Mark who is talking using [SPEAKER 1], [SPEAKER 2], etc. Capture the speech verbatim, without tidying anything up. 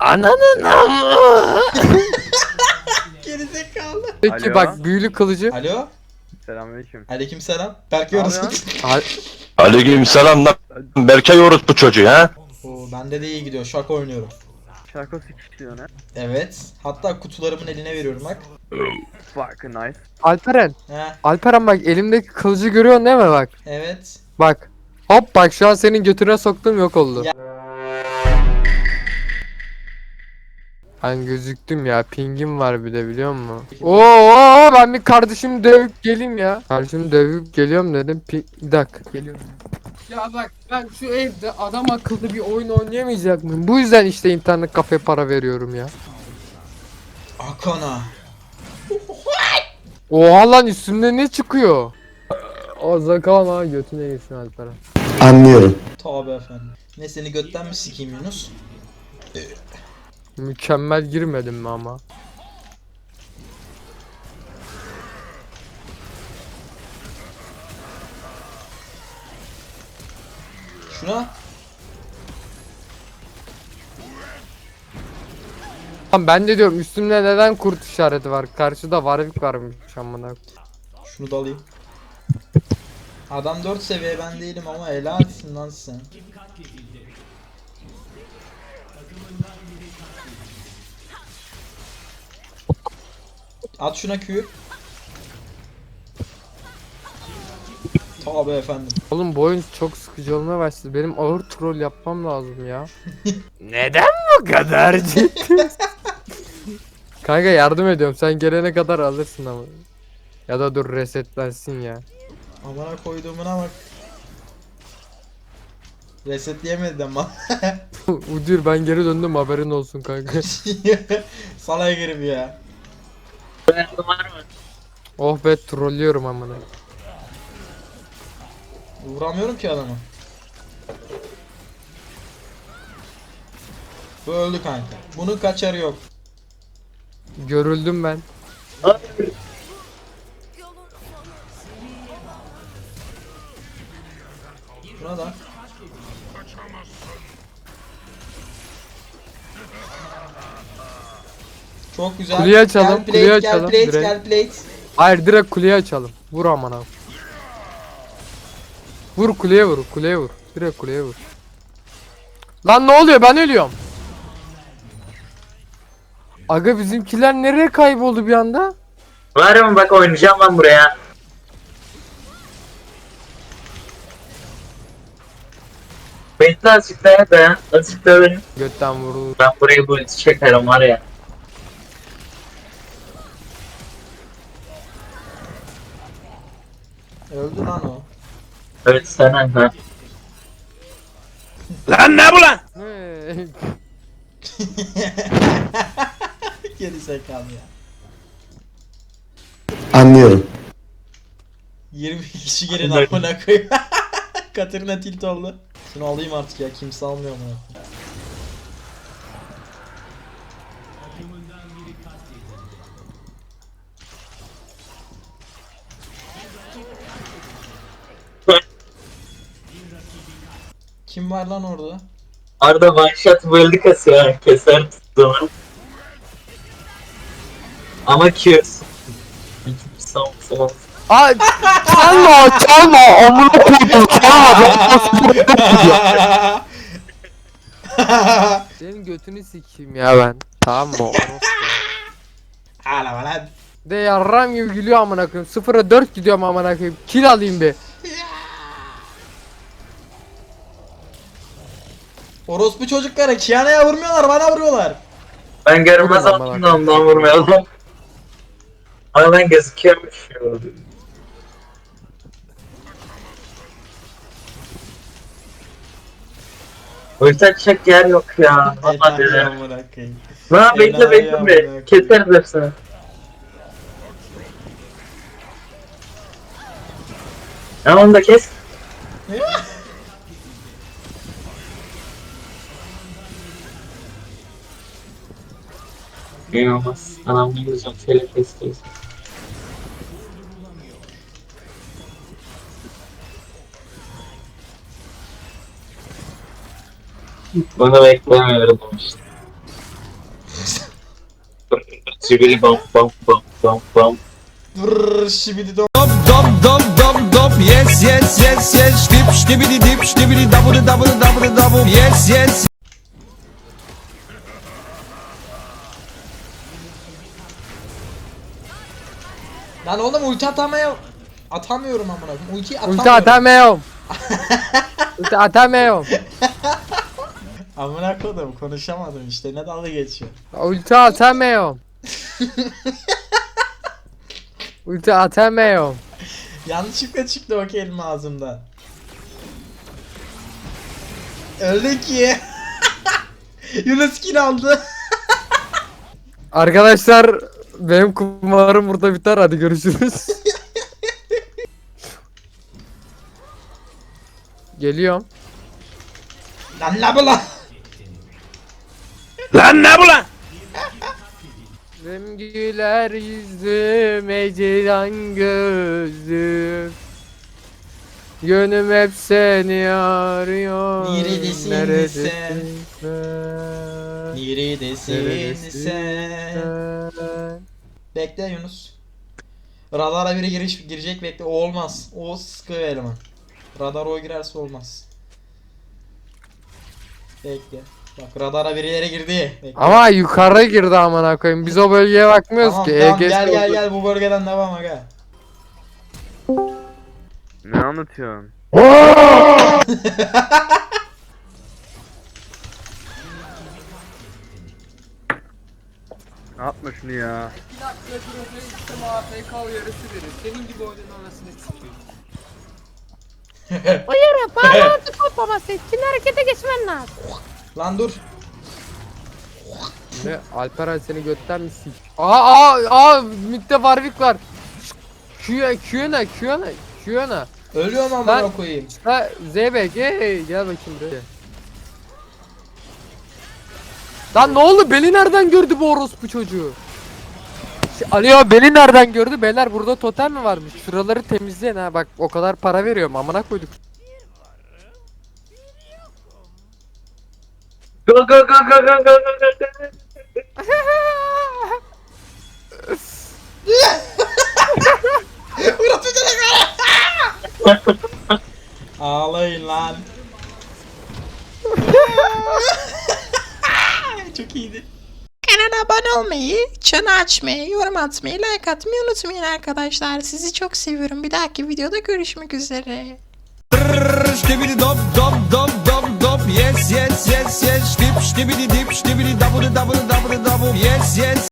[SPEAKER 1] Ananın amı.
[SPEAKER 2] Gerizekalı.
[SPEAKER 1] Peki
[SPEAKER 3] Alo.
[SPEAKER 1] bak büyülü kılıcı.
[SPEAKER 2] Alo.
[SPEAKER 3] Selamünaleyküm.
[SPEAKER 2] Aleykümselam. Berk
[SPEAKER 3] Ne
[SPEAKER 2] Yoruz.
[SPEAKER 3] yapıyorsun?
[SPEAKER 1] Al-
[SPEAKER 4] Aleykümselam lan. Berkay orospu çocuğu ha.
[SPEAKER 2] Oo, bende de iyi gidiyor. Şaka oynuyor.
[SPEAKER 3] Şarkı sıkıştırıyor ne?
[SPEAKER 2] Evet. Hatta kutularımın eline veriyorum bak.
[SPEAKER 3] Fuck nice.
[SPEAKER 1] Alperen.
[SPEAKER 2] He.
[SPEAKER 1] Alperen bak elimdeki kılıcı görüyorsun değil mi bak?
[SPEAKER 2] Evet.
[SPEAKER 1] Bak. Hop bak şu an senin götüne soktum yok oldu.
[SPEAKER 2] Ya-
[SPEAKER 1] Ben gözüktüm ya. Pingim var bir de biliyor musun? Oo ben bir kardeşimi dövüp geleyim ya. Kardeşimi dövüp geliyorum dedim. Pi bir dakika geliyorum. Ya bak ben şu evde adam akıllı bir oyun oynayamayacak mıyım? Bu yüzden işte internet kafeye para veriyorum ya.
[SPEAKER 2] Akana.
[SPEAKER 1] Oha lan üstümde ne çıkıyor? O zakal ha götüne girsin Alperen.
[SPEAKER 5] Anlıyorum.
[SPEAKER 2] Tabi efendim. Ne seni götten mi sikeyim Yunus?
[SPEAKER 1] Mükemmel girmedim mi ama?
[SPEAKER 2] Şuna.
[SPEAKER 1] Lan ben de diyorum üstümde neden kurt işareti var? Karşıda Warwick varmış amına.
[SPEAKER 2] Şunu da alayım. Adam dört seviye ben değilim ama helalsin lan sen. At şuna Q. Tabi efendim.
[SPEAKER 1] Oğlum bu oyun çok sıkıcı olmaya başladı. Benim ağır troll yapmam lazım ya. Neden bu kadar ciddi? Kanka yardım ediyorum. Sen gelene kadar alırsın ama. Ya da dur resetlensin ya.
[SPEAKER 2] Amına koyduğumuna bak. Resetleyemedi ama.
[SPEAKER 1] Udur ben geri döndüm haberin olsun kanka.
[SPEAKER 2] Salaya girip ya.
[SPEAKER 1] Oh be trollüyorum amına.
[SPEAKER 2] Vuramıyorum ki adamı. Bu öldü kanka. Bunun kaçarı yok.
[SPEAKER 1] Görüldüm ben.
[SPEAKER 2] Şuna da. Çok güzel.
[SPEAKER 1] Kuleyi açalım,
[SPEAKER 2] Gel plate,
[SPEAKER 1] kuleyi
[SPEAKER 2] gel
[SPEAKER 1] açalım,
[SPEAKER 2] plate,
[SPEAKER 1] direkt.
[SPEAKER 2] gel plate.
[SPEAKER 1] Hayır direkt kuleye açalım. Vur amına. Vur kuleye vur, kuleye vur. Direkt kuleye vur. Lan ne oluyor? Ben ölüyorum. Aga bizimkiler nereye kayboldu bir anda?
[SPEAKER 6] Var mı bak oynayacağım ben buraya. Bekle azıcık daha dayan. Azıcık daha benim.
[SPEAKER 1] Götten vurdu.
[SPEAKER 6] Ben burayı bu içi çekerim var ya.
[SPEAKER 2] Öldü lan o.
[SPEAKER 6] Evet sen ha.
[SPEAKER 4] Lan ne bu lan?
[SPEAKER 1] Hey.
[SPEAKER 2] Geri zekalı ya.
[SPEAKER 5] Anlıyorum.
[SPEAKER 2] yirmi kişi gelin amına koyayım. Katerina tilt oldu. Şunu alayım artık ya, kimse almıyor mu? Kim var lan orada?
[SPEAKER 6] Arda one shot build'i kasıyor. Keser tuttuğunu. Ama Q. Son son.
[SPEAKER 1] Ay çalma çalma amına koydum çalma. Senin götünü sikeyim ya ben. Tamam mı?
[SPEAKER 2] Hala lan.
[SPEAKER 1] De yarram gibi gülüyor amına koyayım. sıfıra dört gidiyorum amına koyayım. Kill alayım bir.
[SPEAKER 2] Orospu çocukları Kiana'ya vurmuyorlar, bana vuruyorlar.
[SPEAKER 6] Ben görünmez
[SPEAKER 1] Vurma bana.
[SPEAKER 6] altında ondan vurmayalım. Ama ben gözüküyormuş. Ulti açacak yer yok ya. Valla
[SPEAKER 2] Enayi
[SPEAKER 6] dedi.
[SPEAKER 2] amına koyayım.
[SPEAKER 6] Ha bekle
[SPEAKER 2] Enayi
[SPEAKER 6] bekle
[SPEAKER 2] amına
[SPEAKER 6] be.
[SPEAKER 2] koyayım.
[SPEAKER 6] Keseriz hepsini. Ya onu da kes. İyi olmaz. Anam ne güzel şöyle kesiyoruz. Bunu beklemiyorum işte. Sibiri bam bam bam bam bam.
[SPEAKER 2] Brrr şibidi dom.
[SPEAKER 5] Dop dop dop dop dop yes yes yes yes dip ştibidi dip ştibidi double double double double yes yes.
[SPEAKER 2] Lan oğlum ulti atamaya atamıyorum amına koyayım. Ultiyi atamıyorum.
[SPEAKER 1] Ulti atamıyorum. Ulti atamıyorum.
[SPEAKER 2] Amına koydum konuşamadım işte ne dalga geçiyor.
[SPEAKER 1] Ulti atamıyorum. Ulti atamıyorum.
[SPEAKER 2] Yanlışlıkla çıktı o kelime ağzımdan. Öldü ki. Yunus kill aldı.
[SPEAKER 1] Arkadaşlar benim kumarım burada biter, hadi görüşürüz. Geliyorum.
[SPEAKER 2] Lan la bu lan.
[SPEAKER 4] Lan ne bu lan?
[SPEAKER 1] Benim güler yüzüm, ecelen gözüm. Gönlüm hep seni arıyor.
[SPEAKER 2] Neredesin
[SPEAKER 1] Neredesin
[SPEAKER 2] sen?
[SPEAKER 1] sen?
[SPEAKER 2] Neredesin
[SPEAKER 1] Neredesin
[SPEAKER 2] sen?
[SPEAKER 1] sen?
[SPEAKER 2] Bekle Yunus. Radara biri giriş girecek bekle. O olmaz. O sıkı bir eleman. Radar o girerse olmaz. Bekle. Bak radara birileri girdi. Bekle.
[SPEAKER 1] Ama yukarı girdi amına koyayım. Biz o bölgeye bakmıyoruz
[SPEAKER 2] Tamam
[SPEAKER 1] ki.
[SPEAKER 2] tamam
[SPEAKER 1] E G S
[SPEAKER 2] gel gel
[SPEAKER 1] oldu.
[SPEAKER 2] gel bu bölgeden devam aga.
[SPEAKER 3] Ne anlatıyorsun? Atma şunu ya.
[SPEAKER 1] Senin gibi oyunun anasını sikeyim.
[SPEAKER 7] Uyarı bağlantı kopmaması için harekete geçmen lazım.
[SPEAKER 2] Lan dur.
[SPEAKER 1] Ne? Alperen seni götten mi sik? Aa aa aa Mitte Warwick var. Q'ya Q'na Q'na Q'na.
[SPEAKER 2] Ölüyorum amına
[SPEAKER 1] Lan-
[SPEAKER 2] koyayım.
[SPEAKER 1] Ha Zeybek hey gel bakayım buraya. Lan ne oldu? Beni nereden gördü bu orospu çocuğu? Ş- Alo beni nereden gördü? Beyler burada totem mi varmış? Şuraları temizleyin ha, bak o kadar para veriyorum amına koyduk.
[SPEAKER 6] Go go go go go go go go.
[SPEAKER 2] Ağlayın lan. Çok iyiydi.
[SPEAKER 8] Kanala abone olmayı, çanı açmayı, yorum atmayı, like atmayı unutmayın arkadaşlar. Sizi çok seviyorum. Bir dahaki videoda görüşmek üzere.
[SPEAKER 5] Ştibidi dop dop dop dop dop yes yes yes yes dip ştibidi dip ştibidi double double double double yes yes.